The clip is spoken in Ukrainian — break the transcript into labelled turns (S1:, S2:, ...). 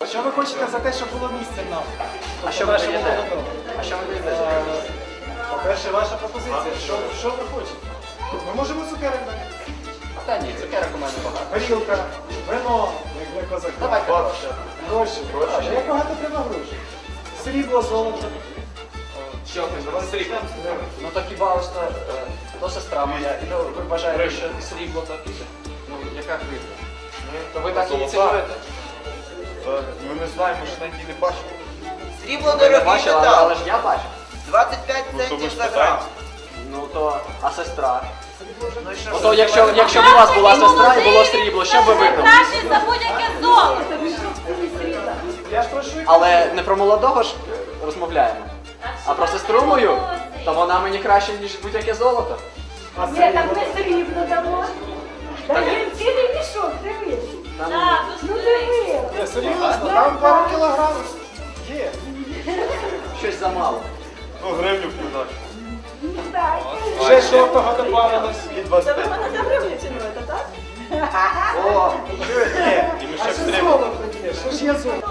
S1: Що ви хочете за те, щоб було місце нам?
S2: А що ви даєте? А що ви даєте?
S1: По-перше, ваша пропозиція. Що ви хочете? Ми можемо цукерок дати.
S2: Та ні, цукерок у мене багато.
S1: Горілка, вино, як для козака.
S2: Давайте гроші.
S1: Гроші. Як багато треба грошей? Срібло, золото.
S2: Що ви срібло? Ну то хіба ось то сестра моя. І ви вважаєте, що срібло то ну яка гривня? То ви так її цінуєте?
S3: Ми не знаємо, що на не бачимо.
S4: Срібло
S2: Ви не
S4: дорогий
S2: бачили,
S4: метал.
S2: але ж я бачу.
S4: 25
S3: Ну, то ми
S4: центів
S3: ж
S4: за грам.
S3: питаємо.
S2: Ну то, а сестра?
S4: Ну і що
S2: Ну
S4: ж?
S2: то якщо б у вас була сестра і було срібло, що б ви вибрали?
S5: Краще за будь-яке золото.
S1: Я ж прошу.
S2: Але не про молодого ж розмовляємо. А про сестру мою, то вона мені краще, ніж будь-яке золото.
S1: А
S6: Ні, так
S1: срібло?
S6: ми срібло дамо. Дай цілий мішок, дивись.
S2: Там
S6: Ну диви.
S1: Ні, серйозно, там пару кілограмів. Є.
S2: щось замало.
S3: Ну, гривню вкидаєш.
S6: Так.
S1: Ще жовтого добавилось.
S3: І 25.
S2: О,
S3: Ні, і ми
S1: А
S3: ще
S1: що
S3: втримо.
S1: золото є? Що ж є золото?